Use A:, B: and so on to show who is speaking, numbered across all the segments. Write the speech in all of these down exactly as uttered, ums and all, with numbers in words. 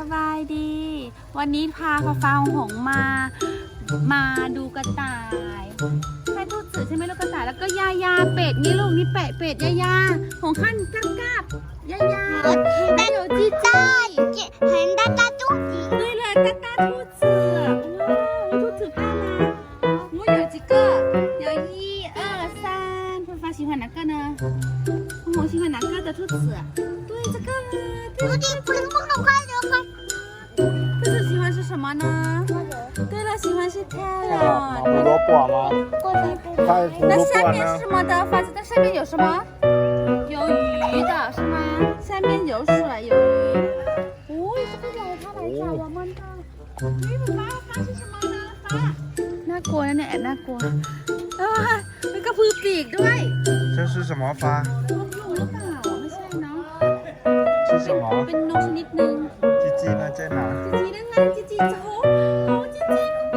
A: บายดีวันนี้พาฟ้าฟ้าหงมามาดูกระต่ายใช่ทูตสื่อใช่ไหมลูกกระต่ายแล้วก็ยายาเป็ดนี่ลูกนี่เป็ดเป็ดยายาของขั้นก้าก้ายายาแต่有鸡仔很大大肚子对了大大兔子哇兔子爸妈我有几个有一二三ฟ้าฟ้า喜欢哪个呢我喜欢哪个的兔子对这个对这个不能快点快兔子喜欢是什么呢对了喜欢是 carrot
B: 胡萝卜吗太胡
A: 那
B: 萝卜
A: 下面是
B: 呢
A: 什么的发现那下面有什么有鱼的是吗下面有水有鱼哦这个有它来找我们的นี่ฟ้าฟ้า是什么呢ฟ้าน่ากลัวนะเนี่ยแอบน่ากลัวแล้วมันกระพือปีกด้วย
B: 这是什么花
A: นกยูงหรือเปล่าไม่ใช่เนาะ
B: 是什么
A: เป็นนกชนิดหนึ่ง
B: 鸡鸡呢在哪
A: จีจีนั่นไงจีจีโอ้โหจีจี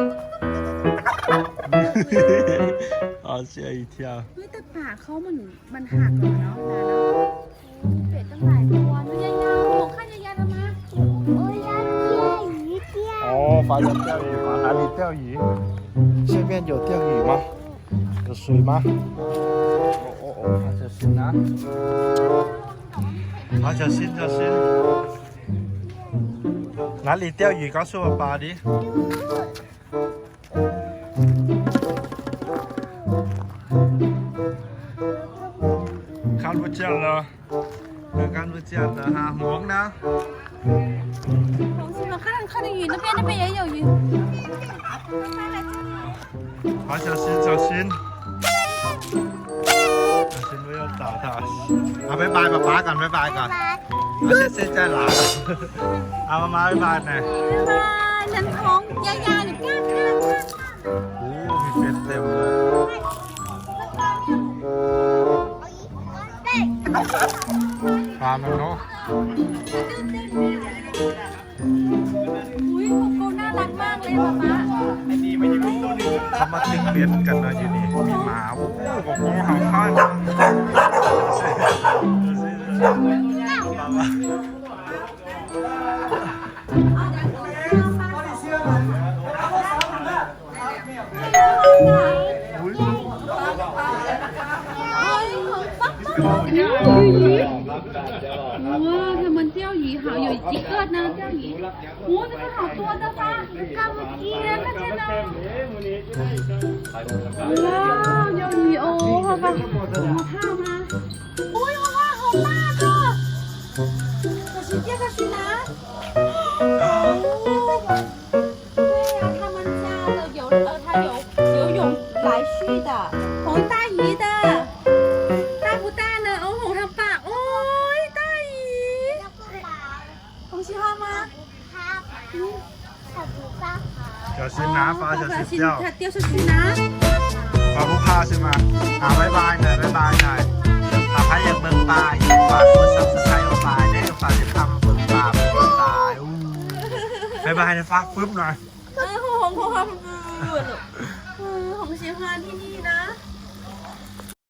B: 好吓一跳
A: เฮ้ยแต่ปากเขามันมันหักเลยเนาะนาเนาะเป็ดตั้งหลายตัวนะยายาโอ้ข้ายายาทำไมโอ้ยยา钓鱼钓
B: 哦发现钓鱼吗哪里钓鱼这边有钓鱼吗有水吗哦哦哦小心啊好小心小心哪里钓鱼告诉我爸的看不见了看不见了哈红呢
A: 红心吗看看的鱼那边那边也有鱼
B: 好小心小心小心不要打他啊拜拜爸爸ก่อนบ๊ายบายก่อนเอาเซ็ตใจหลาเอามาบ๊ายบายหน่อย
A: บ๊ายบายนั่นท้องยายาหรือก้านก้านก้าน
B: โอ้มีเป็ดเต็มเลยปลามันเนาะ
A: อุ้ยของเขาน่ารักมากเลยป๊าป๊า
B: เขามาทิ้งเบ็ดกันนะอยู่นี่มีหมาโอ้โหของเขาเห่าข้าง
A: 哇，他们钓鱼好，有几个呢？钓鱼，哇，这个好多的吧？看不见，看见了。哇，有鱼哦，好吧，好怕吗？哦呦哇，好大个！小心掉下去拿。哦，对呀，他们家的有呃，它有游泳来去的，红大鱼的。大不大呢？哦，红它爸，哦，大鱼，红喜欢吗？嗯，
B: 小心拿发小心掉
A: 它掉下去拿。
B: ปลาผู้พาใช่ไหมอ่าบ๊ายบายหน่อยบ๊ายบายหน่อยอ่าพายอยากเบิ่งปลาอยากฝากกดซับสไครต์เอาปลาได้ฝากจะทำเบิ่งปลาเบิ่งปลาอู้บ๊ายบายนะฝากปึ๊บหน่อย
A: เออ红红红红红喜欢ที่นี่นะ